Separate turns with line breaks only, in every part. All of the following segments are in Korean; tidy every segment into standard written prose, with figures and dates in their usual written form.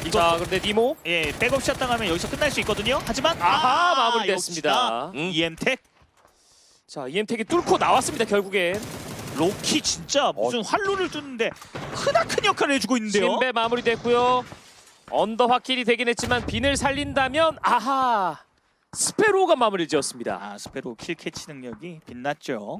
자, 근데 니모
예, 백업샷 당하면 여기서 끝날 수 있거든요. 하지만
아하, 마무리됐습니다.
EM텍
자, EM택이 뚫고 나왔습니다. 결국엔
로키 진짜 무슨 활로를 뚫는데 크나큰 역할을 해주고 있는데요.
신배 마무리됐고요. 언더 확킬이 되긴 했지만 빈을 살린다면 아하 스페로가 마무리 지었습니다.
아, 스페로 킬 캐치 능력이 빛났죠.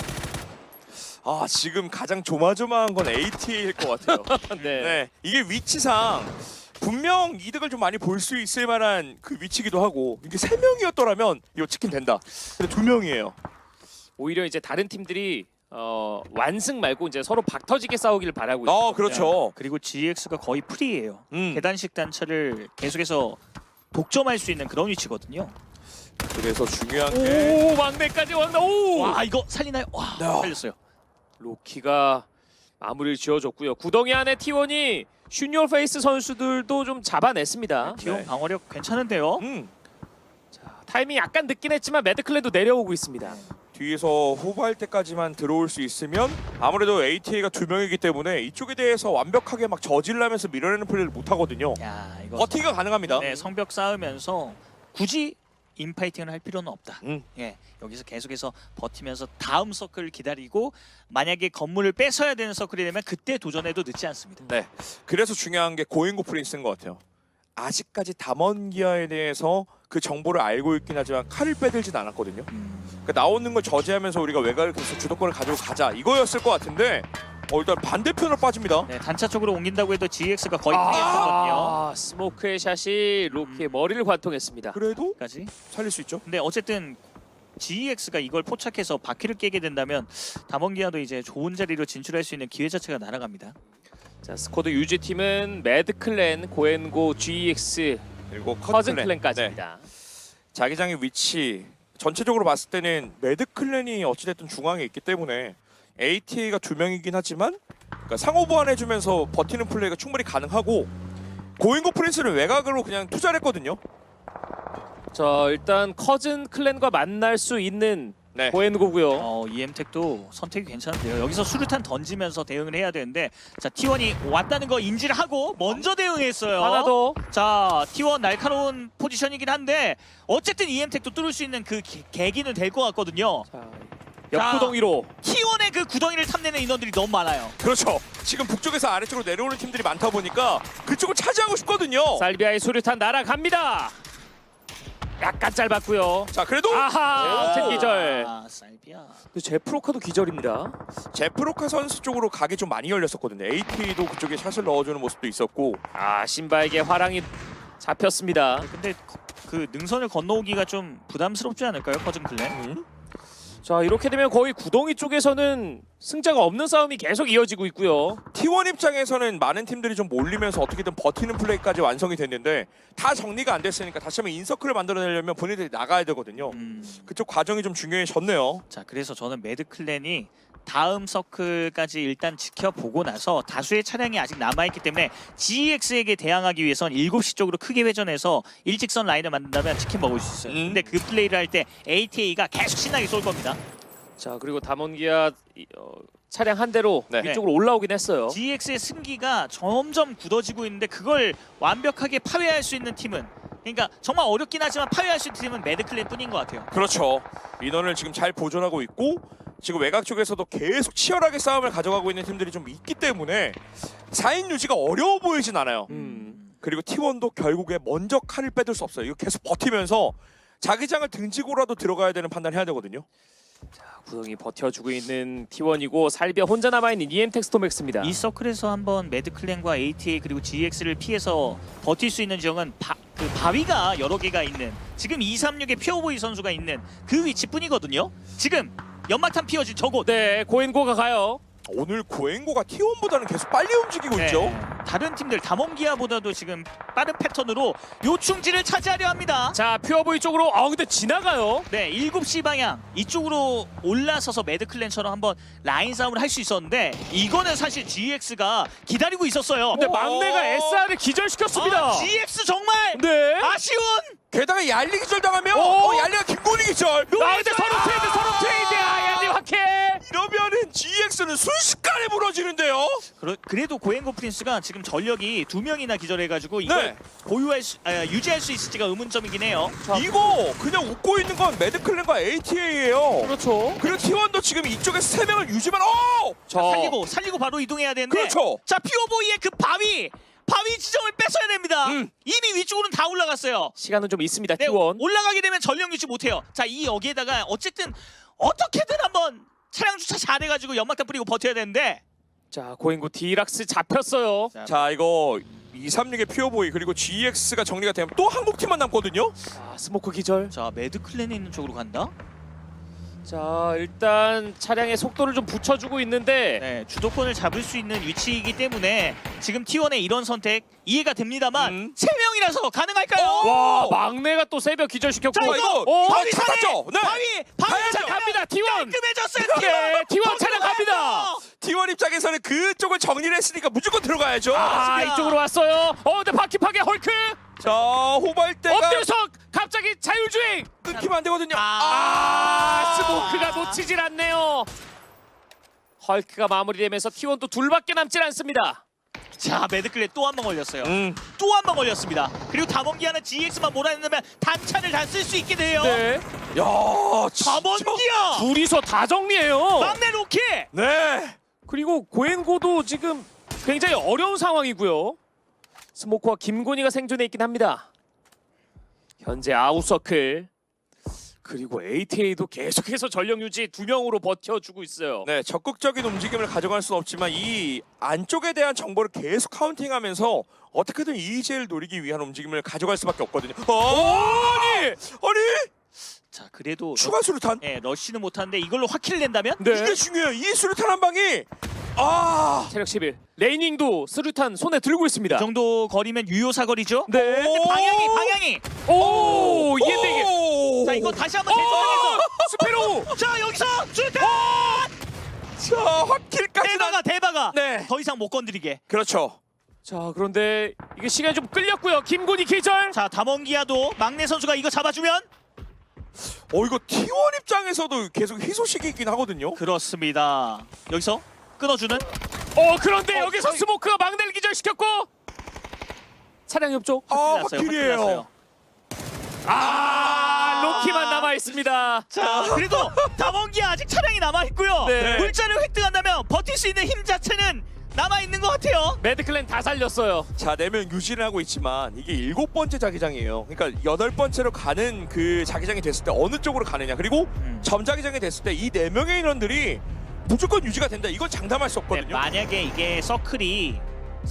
아 지금 가장 조마조마한 건 ATA일 것 같아요.
네.
네, 이게 위치상 분명 이득을 좀 많이 볼 수 있을 만한 그 위치기도 하고 이게 3명이었더라면 이거 치킨 된다. 근데 2명이에요.
오히려 이제 다른 팀들이 완승 말고 이제 서로 박터지게 싸우기를 바라고 있어요.
그렇죠.
그리고 GX가 거의 프리예요.
음.
계단식 단차를 계속해서 독점할 수 있는 그런 위치거든요.
그래서 중요한 게
오, 막내까지 왔나? 오!
와, 이거 살리나요? 와,
네.
살렸어요.
로키가 마무리를 지어줬고요. 구덩이 안에 T1이 슈니어 페이스 선수들도 좀 잡아냈습니다.
T1
네.
방어력 괜찮은데요.
자, 타이밍 약간 늦긴 했지만 매드클랜도 내려오고 있습니다.
뒤에서 호구할 때까지만 들어올 수 있으면 아무래도 ATA가 2명이기 때문에 이쪽에 대해서 완벽하게 막 저질러면서 밀어내는 플레이를 못 하거든요.
야, 이거
버티기가 가능합니다.
네, 성벽 쌓으면서 굳이 인파이팅을 할 필요는 없다.
음.
예, 여기서 계속해서 버티면서 다음 서클을 기다리고 만약에 건물을 뺏어야 되는 서클이 되면 그때 도전해도 늦지 않습니다.
네. 그래서 중요한 게 고잉고 프린스인 것 같아요. 아직까지 담원기아에 대해서 그 정보를 알고 있긴 하지만 칼을 빼들진 않았거든요. 그러니까 나오는 걸 저지하면서 우리가 외곽을 계속 주도권을 가지고 가자 이거였을 것 같은데 일단 반대편으로 빠집니다.
네, 단차 쪽으로 옮긴다고 해도 GX가 거의 프리했거든요.
아, 스모크의 샷이 로키의 머리를 관통했습니다.
그래도
까지.
살릴 수 있죠.
근데 어쨌든 GX가 이걸 포착해서 바퀴를 깨게 된다면 담원기아도 이제 좋은 자리로 진출할 수 있는 기회 자체가 날아갑니다.
자, 스쿼드 유지팀은 매드클랜, 고엔고, GX,
그리고
커즌
네.
클랜까지입니다.
자기장의 위치 전체적으로 봤을 때는 매드클랜이 어찌됐든 중앙에 있기 때문에 ATA가 2명이긴 하지만 그러니까 상호 보완해주면서 버티는 플레이가 충분히 가능하고 고잉고 프린스는 외곽으로 그냥 투자를 했거든요.
자, 일단 커즌 클랜과 만날 수 있는
네.
고엔고고요.
EM텍도 선택이 괜찮은데요. 여기서 수류탄 던지면서 대응을 해야 되는데 자, T1이 왔다는 거 인지를 하고 먼저 대응했어요.
하나 더.
자, T1 날카로운 포지션이긴 한데 어쨌든 EM텍도 뚫을 수 있는 그 계기는 될 것 같거든요.
자, 옆구덩이로.
T1의 그 구덩이를 탐내는 인원들이 너무 많아요.
그렇죠. 지금 북쪽에서 아래쪽으로 내려오는 팀들이 많다 보니까 그쪽을 차지하고 싶거든요.
살비아의 수류탄 날아갑니다. 약간 짧았고요.
자 그래도
아하, 제 기절.
아, 살비아.
근데 제프로카도 기절입니다.
제프로카 선수 쪽으로 각이 좀 많이 열렸었거든요. AT도 그쪽에 샷을 넣어주는 모습도 있었고
아, 신바에게 화랑이 잡혔습니다.
근데 그 능선을 건너오기가 좀 부담스럽지 않을까요, 커즌 클랜?
자, 이렇게 되면 거의 구덩이 쪽에서는 승자가 없는 싸움이 계속 이어지고 있고요.
T1 입장에서는 많은 팀들이 좀 몰리면서 어떻게든 버티는 플레이까지 완성이 됐는데 다 정리가 안 됐으니까 다시 한번 인서클을 만들어내려면 본인들이 나가야 되거든요. 그쪽 과정이 좀 중요해졌네요.
자, 그래서 저는 매드 클랜이 다음 서클까지 일단 지켜보고 나서 다수의 차량이 아직 남아있기 때문에 GX에게 대항하기 위해선 7시 쪽으로 크게 회전해서 일직선 라인을 만든다면 치킨 먹을 수 있어요. 근데 그 플레이를 할 때 ATA가 계속 신나게 쏠 겁니다.
자, 그리고 담원기아 차량 한 대로
네.
위쪽으로 올라오긴 했어요.
GX의 승기가 점점 굳어지고 있는데 그걸 완벽하게 파괴할 수 있는 팀은, 그러니까 정말 어렵긴 하지만 파괴할 수 있는 팀은 매드 클랜 뿐인 것 같아요.
그렇죠. 인원을 지금 잘 보존하고 있고 지금 외곽 쪽에서도 계속 치열하게 싸움을 가져가고 있는 팀들이 좀 있기 때문에 4인 유지가 어려워 보이진 않아요. 그리고 T1도 결국에 먼저 칼을 빼둘 수 없어요. 이거 계속 버티면서 자기장을 등지고라도 들어가야 되는 판단을 해야 되거든요.
구덩이 버텨주고 있는 T1이고 살비아 혼자 남아있는 EM텍 스톰엑스입니다.
이 서클에서 한번 매드 클랜과 ATA 그리고 GX를 피해서 버틸 수 있는 지역은 그 바위가 여러 개가 있는, 지금 236의 퓨어보이 선수가 있는 그 위치뿐이거든요. 지금 연막탄 피어진 저곳.
네, 고엔고가 가요.
오늘 고행고가 T1보다는 계속 빨리 움직이고
네.
있죠.
다른 팀들 담원기아보다도 지금 빠른 패턴으로 요충지를 차지하려 합니다.
자, 퓨어보이 쪽으로 근데 지나가요.
네, 7시 방향 이쪽으로 올라서서 매드클랜처럼 한번 라인 싸움을 할 수 있었는데 이거는 사실 GX가 기다리고 있었어요.
근데 막내가 SR을 기절시켰습니다.
GX 정말
네.
아쉬운.
게다가 얄리 기절 당하면 얄리가 김건희 기절.
근데 서로 트레이드. 얄리 확해.
이러면은 GX 바이오스는 순식간에 무너지는데요.
그래도 고행고 프린스가 지금 전력이 2명이나 기절해가지고 이걸
네.
유지할 수 있을지가 의문점이긴 해요.
이거 그냥 웃고 있는 건 매드클랜과 ATA예요.
그렇죠.
그리고 T1도 지금 이쪽에서 3명을 유지만
자,
살리고 바로 이동해야 되는데.
그렇죠.
자, 퓨어보이의 그 바위 지점을 뺏어야 됩니다. 이미 위쪽으로는 다 올라갔어요.
시간은 좀 있습니다.
네,
T1.
올라가게 되면 전력 유지 못해요. 자, 이 여기에다가 어쨌든 어떻게든 한번 차량 주차 잘해가지고 연막탄 뿌리고 버텨야 되는데.
자, 고행고 디락스 잡혔어요.
자 이거 236의 퓨어보이 그리고 GX가 정리가 되면 또 한국 팀만 남거든요.
자, 스모크 기절.
자, 매드클랜에 있는 쪽으로 간다.
자, 일단 차량의 속도를 좀 붙여주고 있는데
네, 주도권을 잡을 수 있는 위치이기 때문에 지금 T1의 이런 선택 이해가 됩니다만 3명이라서 가능할까요?
와, 막내가 또 새벽 기절시켰고.
자, 이거
바위 찾았죠. 네.
바위
자, 갑니다. T1.
깔끔해졌어요.
네, T1 차량 갑니다.
T1 입장에서는 그쪽을 정리를 했으니까 무조건 들어가야죠.
아,
맞습니다.
이쪽으로 왔어요. 근데 바퀴 파괴 헐크.
자 호발대가
엎드려서 갑자기 자율주행.
끊기면 안 되거든요.
스모크가 놓치질 않네요. 헐크가 마무리되면서 T1도 둘밖에 남질 않습니다.
자, 매드클랜 또 한 번 걸렸어요. 또 한 번 걸렸습니다. 그리고 다mon기아는 GX만 몰아낸다면 단차를 다 쓸 수 있게 돼요.
네.
야 진짜.
다mon기아
둘이서 다 정리해요.
막내 로키.
네.
그리고 고행고도 지금 굉장히 어려운 상황이고요. 스모크와 김곤이가 생존해 있긴 합니다. 현재 아웃서클. 그리고 ATA도 계속해서 전력 유지 2명으로 버텨주고 있어요.
네, 적극적인 움직임을 가져갈 수는 없지만 이 안쪽에 대한 정보를 계속 카운팅하면서 어떻게든 EJ를 노리기 위한 움직임을 가져갈 수밖에 없거든요. 아니!
자, 그래도
추가 수류탄?
러쉬는 못하는데 이걸로 확킬을 낸다면?
네.
이게 중요해요. 이 수류탄 한 방이
체력 11. 레이닝도 스루탄 손에 들고 있습니다.
이 정도 거리면 유효 사거리죠?
네.
근데 방향이
오, 이게 되게.
자, 이거 다시 한번 재조정해서
스페로.
자, 여기서 수류탄!
자, 확킬까지
대박아.
네.
더 이상 못 건드리게.
그렇죠.
자, 그런데 이게 시간이 좀 끌렸고요. 김곤이 기절.
자, 다mon기아도 막내 선수가 이거 잡아주면
이거 T1 입장에서도 계속 희소식이 있긴 하거든요.
그렇습니다. 여기서 끊어주는
그런데 여기서 스모크가 막내를 기절시켰고 차량 협조.
확킬이에요.
로키만 남아 있습니다.
자, 그래도 다mon기아 아직 차량이 남아 있고요.
네.
물자를 획득한다면 버틸 수 있는 힘 자체는 남아 있는 것 같아요.
매드클랜 다 살렸어요.
자, 4명 유지를 하고 있지만 이게 7번째 자기장이에요. 그러니까 8번째로 가는 그 자기장이 됐을 때 어느 쪽으로 가느냐. 그리고 점자기장이 됐을 때 이 4명의 인원들이 무조건 유지가 된다. 이건 장담할 수
네,
없거든요.
만약에 이게 서클이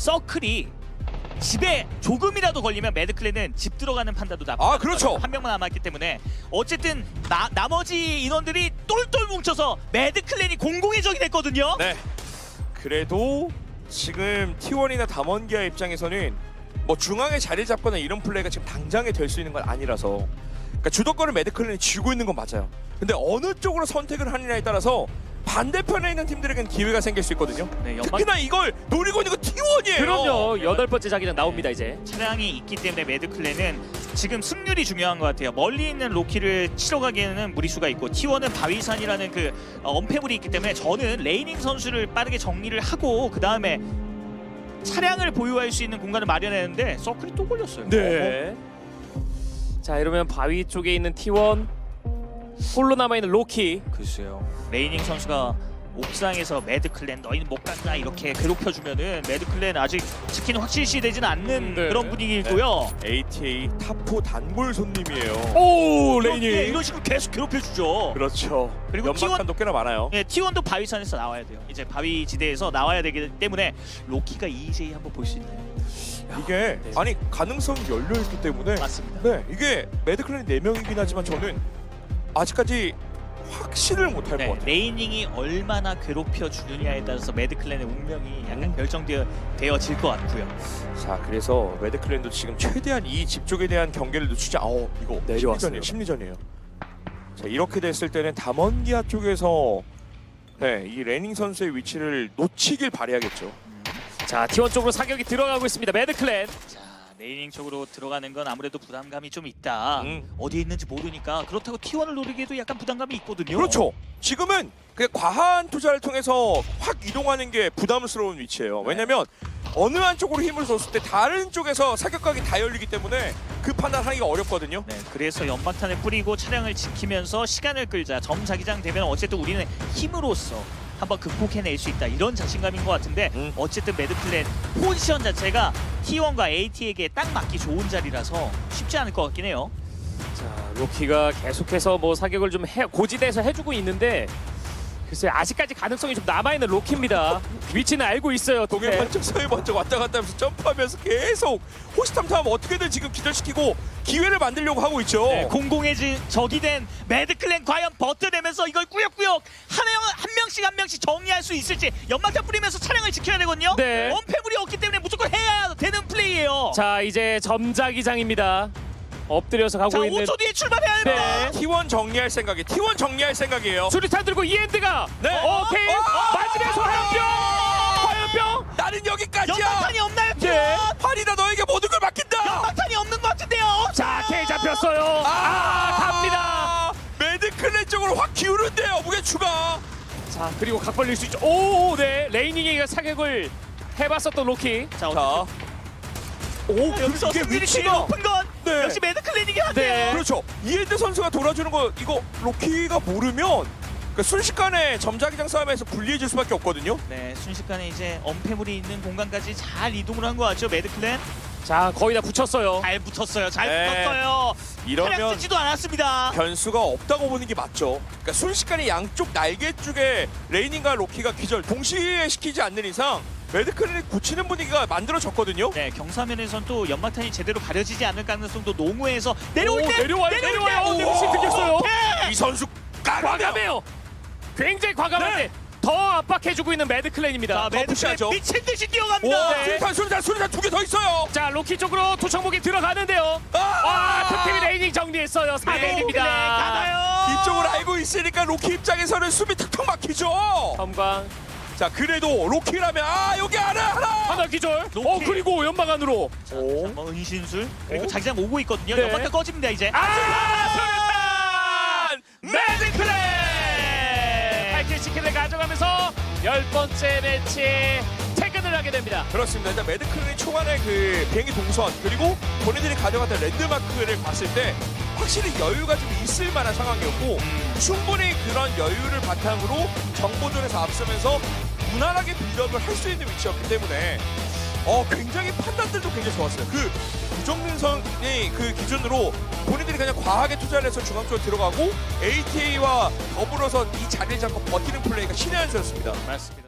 집에 조금이라도 걸리면 매드클랜은 집 들어가는 판단도 나쁘다.
그렇죠.
한 명만 남았기 때문에 어쨌든 나머지 인원들이 똘똘 뭉쳐서 매드클랜이 공공의 적이 됐거든요.
네. 그래도 지금 T1이나 다mon기아 입장에서는 뭐 중앙에 자리 잡거나 이런 플레이가 지금 당장에 될 수 있는 건 아니라서 그러니까 주도권을 매드클랜이 쥐고 있는 건 맞아요. 근데 어느 쪽으로 선택을 하느냐에 따라서 반대편에 있는 팀들에겐 기회가 생길 수 있거든요.
네,
특히나 이걸 노리고 있는 거 T1이에요.
그럼요. 8번째 자기장 나옵니다 이제.
차량이 있기 때문에 매드클랜은 지금 승률이 중요한 것 같아요. 멀리 있는 로키를 치러 가기에는 무리수가 있고 T1은 바위산이라는 그 엄폐물이 있기 때문에 저는 레이닝 선수를 빠르게 정리를 하고 그 다음에 차량을 보유할 수 있는 공간을 마련했는데 서클이 또 걸렸어요.
네. 자, 이러면 바위 쪽에 있는 T1 홀로 남아있는 로키.
글쎄요. 레이닝 선수가 옥상에서 매드클랜 너희는 못 간다 이렇게 괴롭혀주면은 매드클랜 아직 치킨이 확실시 되지는 않는
네.
그런 분위기고요.
ATA 탑4 단골 손님이에요.
오,
네,
레이닝.
이런 식으로 계속 괴롭혀주죠.
그렇죠.
그리고
연막탄도 꽤나 많아요.
네, T1도 바위산에서 나와야 돼요. 이제 바위 지대에서 나와야 되기 때문에 로키가 EJ 한번 볼 수 있나요?
이게
네.
아니 가능성이 열려있기 때문에
맞습니다.
네, 이게 매드클랜이 4명이긴 하지만 저는 아직까지 확신을 못할 것
네,
같아요.
레이닝이 얼마나 괴롭혀 주느냐에 따라서 매드클랜의 운명이 약간 결정되어질 것 같고요.
자, 그래서 매드클랜도 지금 최대한 이 집 쪽에 대한 경계를 늦추지 이거
내려왔어요.
심리전이에요. 자, 이렇게 됐을 때는 다mon기아 쪽에서 네, 이 레닝 선수의 위치를 놓치길 바라야겠죠.
자, T1 쪽으로 사격이 들어가고 있습니다. 매드클랜.
자, 네이밍 쪽으로 들어가는 건 아무래도 부담감이 좀 있다.
음.
어디에 있는지 모르니까 그렇다고 T1을 노리기에도 약간 부담감이 있거든요.
그렇죠. 지금은 그 과한 투자를 통해서 확 이동하는 게 부담스러운 위치예요.
네.
왜냐면 어느 한쪽으로 힘을 줬을 때 다른 쪽에서 사격각이 다 열리기 때문에 그 판단하기가 어렵거든요.
네, 그래서 연막탄을 뿌리고 차량을 지키면서 시간을 끌자. 점자기장 되면 어쨌든 우리는 힘으로써 한번 극복해낼 수 있다. 이런 자신감인 것 같은데 어쨌든 매드클랜 포지션 자체가 T1과 AT에게 딱 맞기 좋은 자리라서 쉽지 않을 것 같긴 해요.
자, 로키가 계속해서 뭐 사격을 좀 고지대에서 해주고 있는데 글쎄 아직까지 가능성이 좀 남아있는 로키입니다. 위치는 알고 있어요.
동해
네.
번쩍 서해 번쩍 왔다 갔다 하면서 점프하면서 계속 호시탐탐 어떻게든 지금 기절시키고 기회를 만들려고 하고 있죠.
네, 공공의 적이 된 매드클랜 과연 버텨내면서 이걸 꾸역꾸역 한 명씩 정리할 수 있을지. 연막탄 뿌리면서 차량을 지켜야 되거든요.
네.
엄폐물이 없기 때문에 무조건 해야 되는 플레이예요.
자, 이제 점자기장입니다. 엎드려서 가고
자,
있는
5초 뒤에 출발해야 됩니다.
네.
T1 정리할 생각이 T1 정리할 생각이에요.
수류탄 들고 이엔드가
네.
오케이 마지막에 화염병
나는 여기까지야.
연막탄이 없나요?
네.
팔이다 너에게 모든 걸 맡긴다.
연막탄이 없는 것 같은데요.
자, K 잡혔어요. 갑니다.
매드클랜 쪽으로 확 기울는데요. 무게 추가.
자, 그리고 각 벌릴 수 있죠. 오, 네. 레이닝이가 사격을 해봤었던 로키.
자,
자, 오,
여기서
이게
승률이 제일
위치가
높은 건
네.
역시 매드클랜이긴 한데요.
네.
그렇죠. 이엔드 선수가 돌아주는 거 이거 로키가 모르면 그러니까 순식간에 점자기장 싸움에서 불리해질 수밖에 없거든요.
네, 순식간에 이제 엄폐물이 있는 공간까지 잘 이동을 한 것 같죠, 매드클랜?
자, 거의 다 붙였어요.
잘 붙었어요, 잘
네.
붙었어요. 차량
이러면
쓰지도 않았습니다.
변수가 없다고 보는 게 맞죠. 그러니까 순식간에 양쪽 날개 쪽에 레이닝과 로키가 기절 동시에 시키지 않는 이상 매드클랜이 굳히는 분위기가 만들어졌거든요.
네, 경사면에선 또 연막탄이 제대로 가려지지 않을 가능성도 농후해서 내려올 때
내려와요. 네모씨 들켰어요.
이 선수
과감해요. 굉장히 과감한데
네.
더 압박해주고 있는 매드클랜입니다.
자, 매드클랜
푸시하죠.
미친 듯이
와,
뛰어갑니다.
네.
수류탄 두 개 더 있어요.
자, 로키 쪽으로 투척목이 들어가는데요. 득템이 레이닝 정리했어요. 4대1입니다.
가나요?
이쪽을 알고 있으니까 로키 입장에서는 숨이 턱턱 막히죠.
섬광
자, 그래도 로키라면 여기 하나.
하나 기절.
로키.
그리고 연막 안으로.
자, 한번 은신술 그리고
오.
자기장 오고 있거든요.
네.
연막탄 꺼집니다 이제.
매드클랜.
8킬 치킨을 가져가면서 10번째 매치에 퇴근을 하게 됩니다.
그렇습니다. 일단 매드클랜이 초반에 그 비행기 동선 그리고 본인들이 가져갔던 랜드마크를 봤을 때 확실히 여유가 좀 있을 만한 상황이었고 충분히 그런 여유를 바탕으로 정보전에서 앞서면서 무난하게 빌드업을 할 수 있는 위치였기 때문에 굉장히 판단들도 굉장히 좋았어요. 그 구정민선이 그 기준으로 본인들이 그냥 과하게 투자를 해서 중앙 쪽으로 들어가고 ATA와 더불어서 이 자리를 잡고 버티는 플레이가 신의 한 수였습니다.
맞습니다.